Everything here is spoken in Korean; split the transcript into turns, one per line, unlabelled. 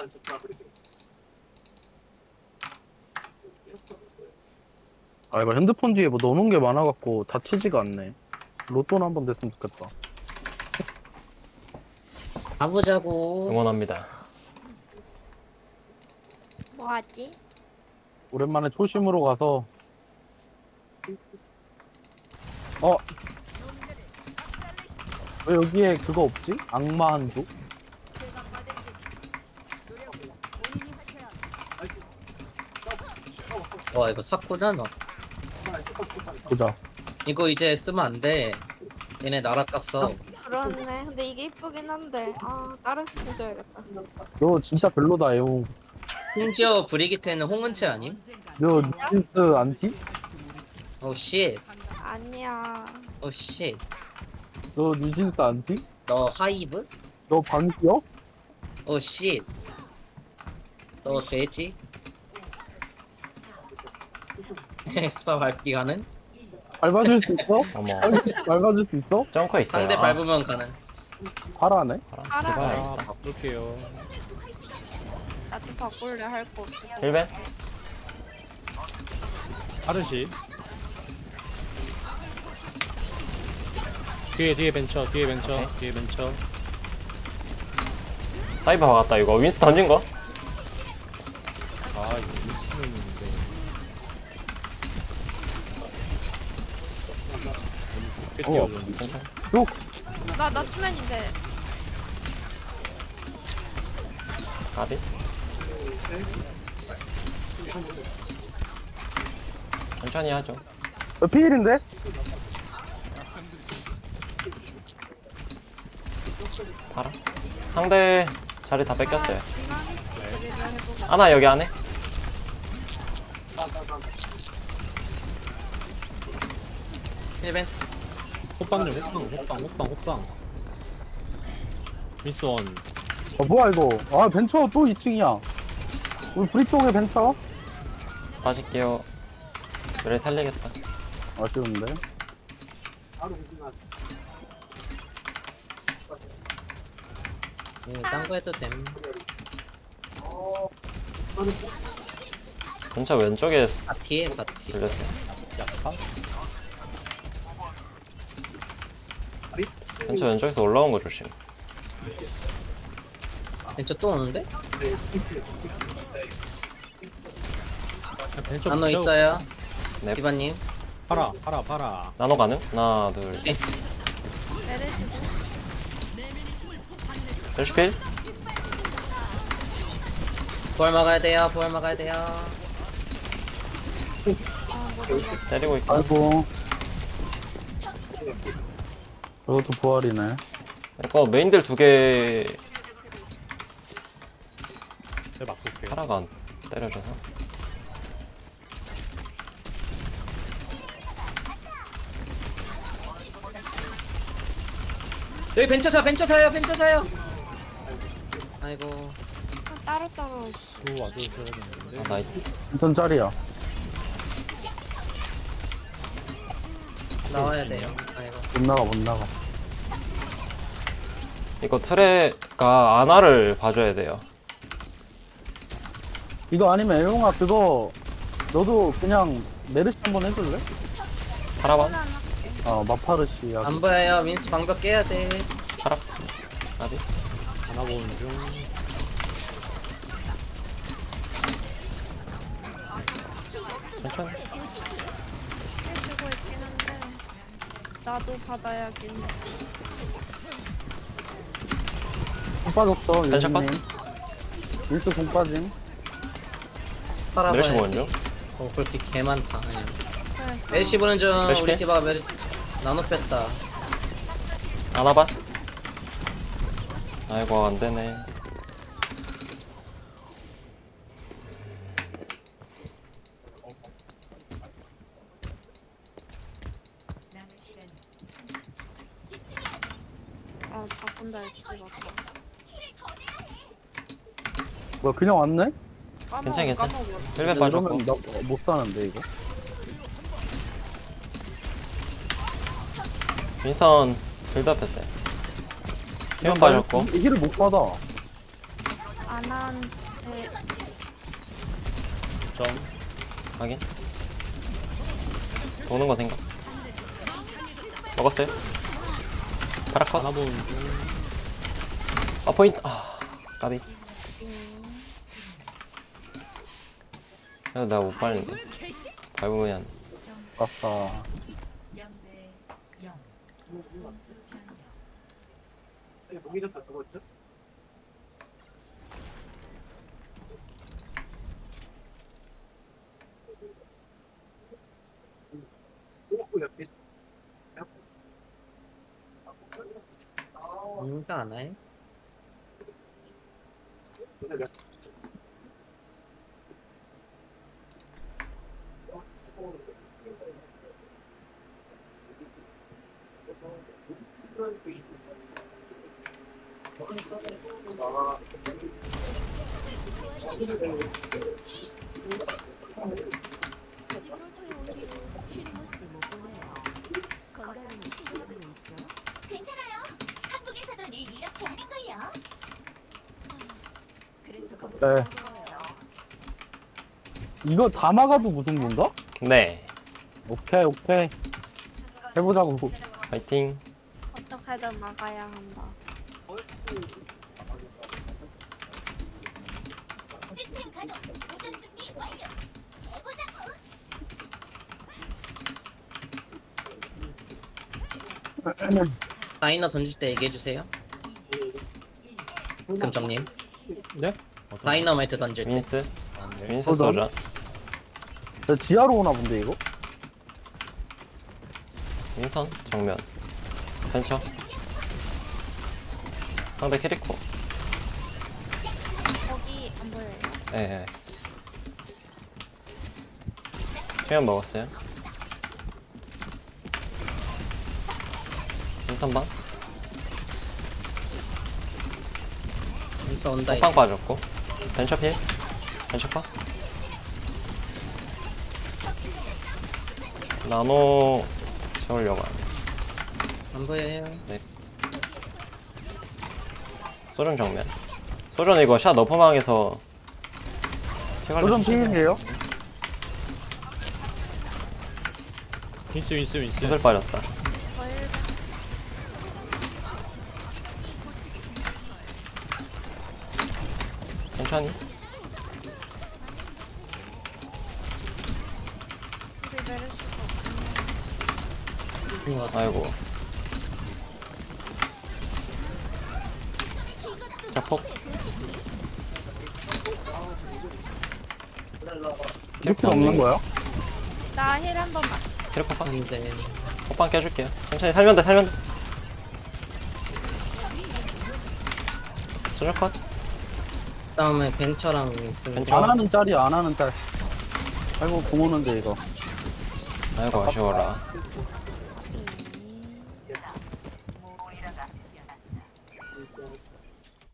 아 이거 핸드폰 뒤에 뭐 넣어놓은 게 많아갖고 다치지가 않네. 로또는 한번 됐으면 좋겠다.
가보자고.
응원합니다.
뭐하지?
오랜만에 초심으로 가서 왜 여기에 그거 없지? 악마 한조?
와 이거 샀구나 너.
보자.
이거 이제 쓰면 안 돼. 얘네 날아갔어.
그렇네. 근데 이게 이쁘긴 한데 다른 스킨 써야겠다.
너 진짜 별로다 에옹.
심지어 브리기테는 홍은채 아님?
너 뉴진스 안티?
오 쉣.
아니야.
오 쉣.
너 뉴진스 안티?
너 하이브?
너 방귀여?
오 쉣. 너 돼지? 스파 밟기 가는?
밟아줄 수 있어?
어머.
밟아줄 수 있어?
점커 있어요.
상대 밟으면 가는.
파라네?
알아.
제발.
바꿀게요.
나도 바꿀래 할 거 없어.
힐벤?
하르시. 뒤에 벤처, 뒤에 벤처,
오케이.
뒤에 벤처.
사이버 박았다 이거. 윈스 던진 거?
아, 이거 미치는데. 좋게 뛰어줬는데.
괜찮아.
나 수면인데.
가비? 천천히 하죠.
피일인데?
봐라. 상대 자리 다 뺏겼어요.
우리가 해보자.
하나 여기 안에?
힐벤.
호빵 좀, 호빵. 미스원.
뭐야 이거. 아 벤처 또 2층이야. 우리 브리 쪽에 벤처?
빠질게요. 그래 살리겠다.
아쉬운데.
딴거 해도 됨.
근처 왼쪽에
파티에 파티.
들렸어요.
약파?
근처 왼쪽에서 올라온 거 조심.
벤처 또 오는데?
벤처
나노
붙여.
있어요.
네.
디바님.
팔아.
나노 가능? 하나 둘 셋.
내리시고.
헬시필?
부활 막아야 돼요. 부활 막아야 돼요.
때리고 있고.
아이고. 저것도 부활이네.
이거 메인들 두 개
제가 바꿀게요.
파라가 안 때려줘서.
여기 벤처 사요. 아이고.
따로따로.
또 와줘야 되는데.
아 나이스.
인턴 짤이야.
나와야 돼요. 아이고.
못 나가.
이거 트레가 아나를 봐줘야 돼요.
이거 아니면 애용아 그거 너도 그냥 메르시 한번 해줄래?
파라반?
마파르시야.
안 보여요. 윈스 방벽 깨야 돼.
파라? 아비?
하나 보는 중.
천천히.
해주고 있긴 한데. 나도 받아야겠네.
공 빠졌어.
벤처 컷?
유진님. 윌스 공 빠짐.
메르시
팔아봐야
보는 중.
그렇게 개 많다. 아니야.
그래.
메르시 보는 중.
메르시
우리
빼?
티바가 나노 뺐다.
아나반? 아이고 안되네.
바꾼다 했지 맞다.
뭐야 그냥 왔네?
괜찮아.
까먹어.
힐벤 빠졌고.
이러면 나 못 사는데 이거.
윈선 빌드업 했어요. 힐벤 빠졌고.
이 힐을 못 받아.
아나한테
점.
확인. 도는 거 생각. 먹었어요? 파라컷.
하나 보는 중.
아 포인트. 아 까비. 야, 나 못 밟는데. 밟으면
아싸.
뭔가 안 해?
집으로 통해 온 뒤로 쉬는 모습을 못 보네요. 건강은 신경 쓰고 있죠?
괜찮아요. 한국에서도 늘 이렇게 하는 걸요.
그래서
네.
걱정하는 거예요.
이거 다 막아도 무승부인가?
네.
오케이, 오케이. 해보자고.
파이팅.
어떻게든 막아야 한다.
시스템 가동. 도전 준비 완료. 해보자고.
라이너 던질 때 얘기해주세요. 금정님.
네?
라이너마이트 던질 때.
윈스.
아, 네.
윈스
어, 나-
쏘자.
저 지하로 오나 본데, 이거?
윈선 정면. 펜쳐. 상대 캐리코.
거기 안 보여요.
예. 예. 수면 먹었어요. 인턴방.
이거 온다.
호빵 빠졌고. 벤처 필. 벤처 파. 나노 세우려고 하네.
안 보여요.
소전 정면. 소전 이거 샷 너퍼망에서
도전 핑이에요?
윈스 윈스 윈스.
구슬 빠졌다.
거일
천천히.
우리 내릴 수가 없네.
이거 왔어.
아이고. 자폭.
이렇게 없는 거야?
나 힐 한 번만.
캐리코 파.
근데
호빵 깨줄게요. 천천히 살면 돼, 살면 돼. 소전 컷.
다음에 벤처랑 있으면
벤처.
안 하는 짤이야, 안 하는 짤. 아이고, 공 오는데, 이거.
아이고, 아쉬워라.